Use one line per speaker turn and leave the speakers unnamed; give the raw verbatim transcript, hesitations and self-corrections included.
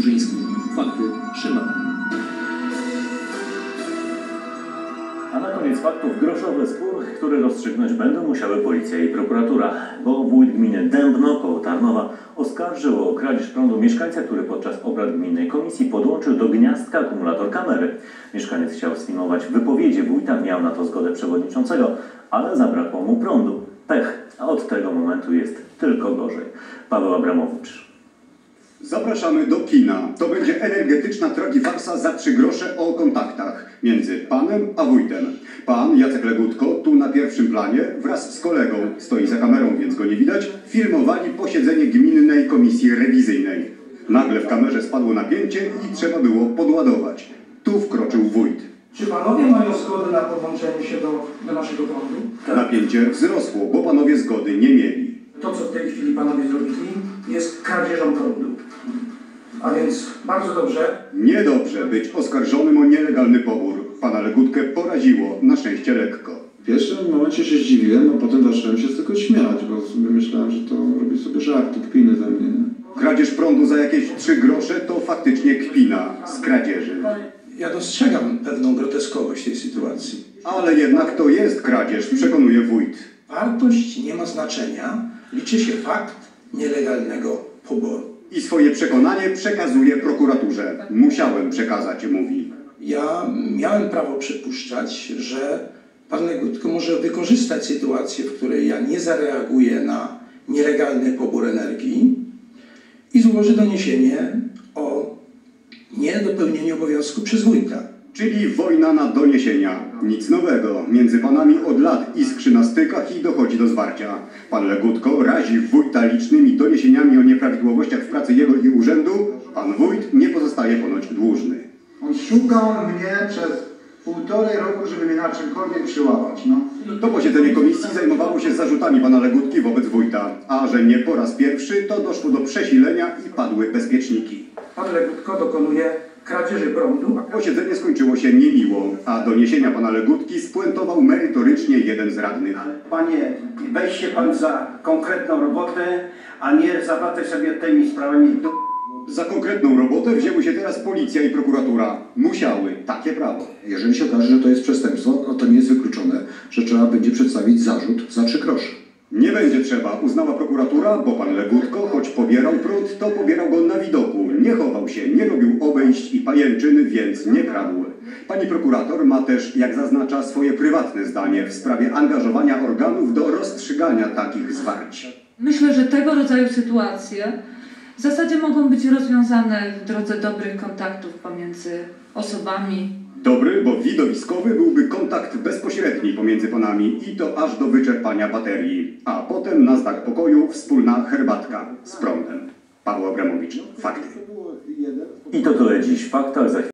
Burzyński. Fakty Szyman.
A na koniec faktów groszowy spór, który rozstrzygnąć będą musiały policja i prokuratura, bo wójt gminy Dębno koło Tarnowa oskarżył o kradzież prądu mieszkańca, który podczas obrad gminnej komisji podłączył do gniazdka akumulator kamery. Mieszkaniec chciał sfilmować wypowiedzi wójta, miał na to zgodę przewodniczącego, ale zabrakło mu prądu. Pech, a od tego momentu jest tylko gorzej. Paweł Abramowicz.
Zapraszamy do kina. To będzie energetyczna tragifarsa za trzy grosze o kontaktach między panem a wójtem. Pan Jacek Legutko, tu na pierwszym planie, wraz z kolegą, stoi za kamerą, więc go nie widać, filmowali posiedzenie gminnej komisji rewizyjnej. Nagle w kamerze spadło napięcie i trzeba było podładować. Tu wkroczył wójt.
Czy panowie mają zgodę na podłączenie się do, do naszego prądu?
Napięcie wzrosło, bo panowie zgody nie mieli.
To, co w tej chwili panowie zrobili, jest kradzieżą prądu. A więc bardzo dobrze.
Niedobrze być oskarżonym o nielegalny pobór. Pana Legutkę poraziło, na szczęście lekko.
W pierwszym momencie się zdziwiłem, a potem zacząłem się z tego śmiać, bo sobie myślałem, że to robi sobie żarty, kpiny ze mnie.
Kradzież prądu za jakieś trzy grosze to faktycznie kpina z kradzieży.
Ja dostrzegam pewną groteskowość tej sytuacji.
Ale jednak to jest kradzież, przekonuje wójt.
Wartość nie ma znaczenia, liczy się fakt nielegalnego poboru.
I swoje przekonanie przekazuje prokuraturze. Musiałem przekazać, mówi.
Ja miałem prawo przypuszczać, że pan Legutko może wykorzystać sytuację, w której ja nie zareaguję na nielegalny pobór energii i złoży doniesienie o niedopełnieniu obowiązku przez wójta.
Czyli wojna na doniesienia. Nic nowego. Między panami od lat iskrzy na stykach i dochodzi do zwarcia. Pan Legutko razi wójta licznymi doniesieniami o nieprawidłowościach w pracy jego i urzędu. Pan wójt nie pozostaje ponoć dłużny.
On szukał mnie przez półtorej roku, żeby mnie na czymkolwiek przyłapać. No.
To posiedzenie komisji zajmowało się zarzutami pana Legutki wobec wójta. A że nie po raz pierwszy, to doszło do przesilenia i padły bezpieczniki.
Pan Legutko dokonuje kradzieży prądu.
Posiedzenie skończyło się niemiło, a doniesienia pana Legutki spuentował merytorycznie jeden z radnych.
Panie, weź się pan za konkretną robotę, a nie zawracaj sobie tymi sprawami do...
Za konkretną robotę wzięły się teraz policja i prokuratura. Musiały. Takie prawo.
Jeżeli się okaże, że to jest przestępstwo, no to nie jest wykluczone, że trzeba będzie przedstawić zarzut za trzy grosze.
Nie będzie trzeba, uznała prokuratura, bo pan Legutko, choć pobierał prąd, to pobierał go na widoku. Nie chował się, nie robił obejść i pajęczyn, więc nie kradł. Pani prokurator ma też, jak zaznacza, swoje prywatne zdanie w sprawie angażowania organów do rozstrzygania takich zwarć.
Myślę, że tego rodzaju sytuacje w zasadzie mogą być rozwiązane w drodze dobrych kontaktów pomiędzy osobami.
Dobry, bo widowiskowy byłby kontakt bezpośredni pomiędzy panami i to aż do wyczerpania baterii. A potem na znak pokoju wspólna herbatka z prądem. Paweł Abramowicz. Fakty.
I to tyle dziś w faktach. Za